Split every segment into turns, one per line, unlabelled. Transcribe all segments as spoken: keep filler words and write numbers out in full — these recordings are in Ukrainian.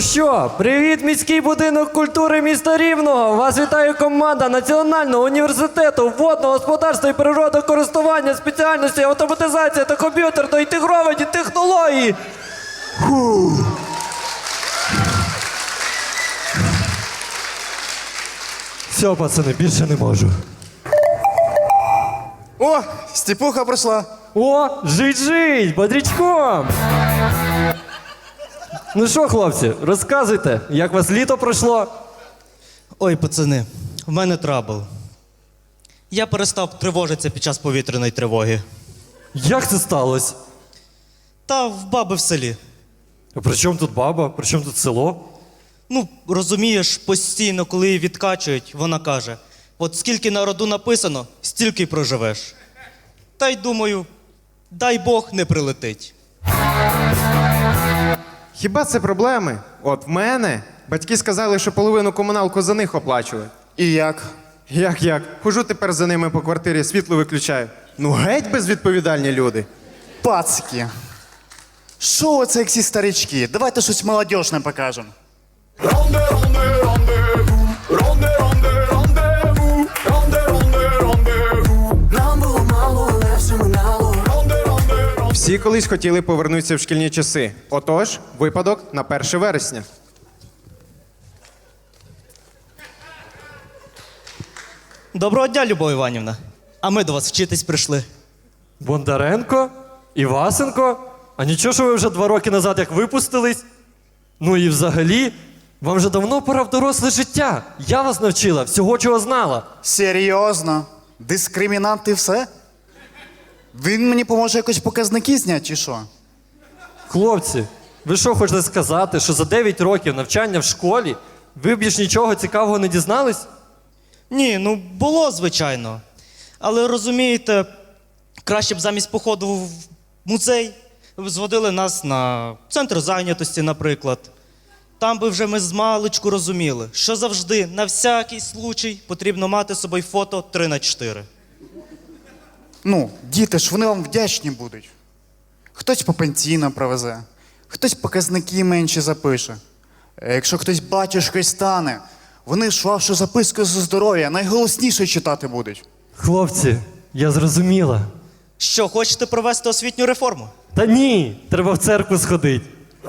що, привіт, міський будинок культури міста Рівного! Вас вітає команда Національного університету водного господарства і природокористування спеціальності автоматизація та комп'ютерно інтегровані технології. Фу. Все, пацани, більше не можу.
О, Степуха прийшла.
О, жить-жить, бодрячком! Ну що, хлопці, розказуйте, як вас літо пройшло?
Ой, пацани, в мене трабл. Я перестав тривожитися під час повітряної тривоги.
Як це сталося?
Та в баби в селі.
А при чому тут баба? При чому тут село?
Ну, розумієш, постійно, коли її відкачують, вона каже, от скільки на роду написано, стільки й проживеш. Та й думаю, дай Бог не прилетить.
Хіба це проблеми? От в мене батьки сказали, що половину комуналку за них оплачували.
І як?
Як як? Хожу тепер за ними по квартирі, світло виключаю. Ну геть безвідповідальні люди.
Пацики. Що оце як всі старички? Давайте щось молодіжне покажемо.
Всі колись хотіли повернутися в шкільні часи. Отож, випадок на перше вересня.
Доброго дня, Любов Іванівна. А ми до вас вчитись прийшли.
Бондаренко? Івасенко? А нічого, що ви вже два роки назад як випустились? Ну і взагалі, вам вже давно пора в доросле життя. Я вас навчила всього, чого знала.
Серйозно? Дискримінант і все? Він мені поможе якось показники зняти, чи що?
Хлопці, ви що хочете сказати, що за дев'ять років навчання в школі ви б більш нічого цікавого не дізнались?
Ні, ну було, звичайно. Але розумієте, краще б замість походу в музей зводили нас на центр зайнятості, наприклад. Там би вже ми з маличку розуміли, що завжди, на всякий случай, потрібно мати з собою фото три на чотири.
Ну, діти ж, вони вам вдячні будуть. Хтось по пенсійно привезе, хтось показники менші запише. А якщо хтось батюшкою стане, вони ж вашу записку за здоров'я найголосніше читати будуть.
Хлопці, я зрозуміла.
Що, хочете провести освітню реформу?
Та ні, треба в церкву сходити.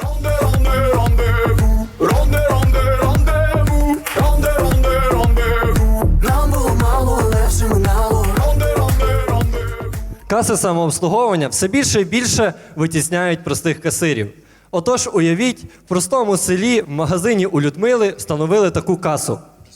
Каси самообслуговування все більше і більше витісняють простих касирів. Отож, уявіть, в простому селі в магазині у Людмили встановили таку касу.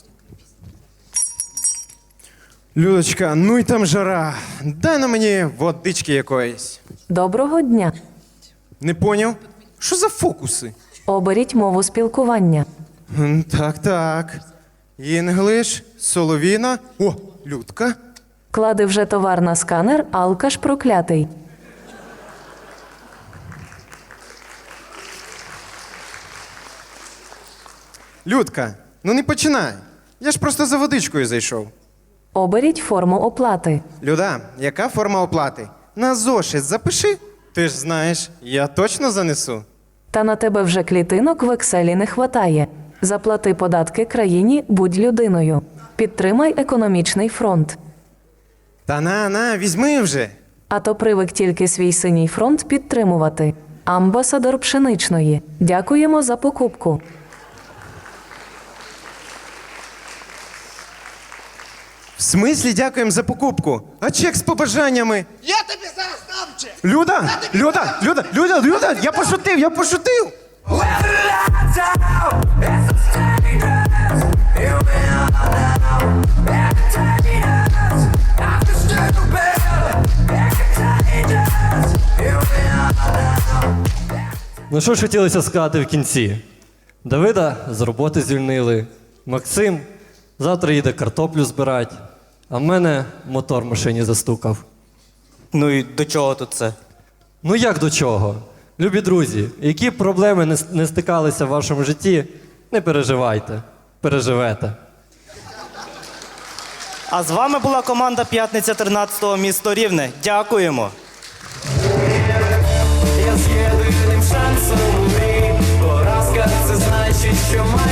Людочка, ну й там жара. Дай на мені водички якоїсь.
Доброго дня.
Не поняв? Що за фокуси?
Оберіть мову спілкування.
М, Так, так. Інглиш, Соловіна. О, Людка.
Клади вже товар на сканер, алкаш проклятий.
Людка, ну не починай. Я ж просто за водичкою зайшов.
Оберіть форму оплати.
Люда, яка форма оплати? На зошит запиши. Ти ж знаєш, я точно занесу.
Та на тебе вже клітинок в екселі не хватає. Заплати податки країні, будь людиною. Підтримай економічний фронт.
Та на, на, візьми вже.
А то привик тільки свій синій фронт підтримувати. Амбасадор пшеничної. Дякуємо за покупку.
В смислі дякуємо за покупку? А чек з побажаннями?
Я тобі зараз дам чек!
Люда! Люда! Люда! Люда! Люда! Я пошутив! Я пошутив!
Ну що ж хотілося сказати в кінці? Давида з роботи звільнили, Максим завтра їде картоплю збирати, а в мене мотор в машині застукав.
Ну і до чого тут це?
Ну як до чого? Любі друзі, які б проблеми не, не стикалися в вашому житті, не переживайте, переживете.
А з вами була команда «П'ятниця тринадцятого місто Рівне». Дякуємо.
Я з єдиним шансом у грі, поразка це значить що має.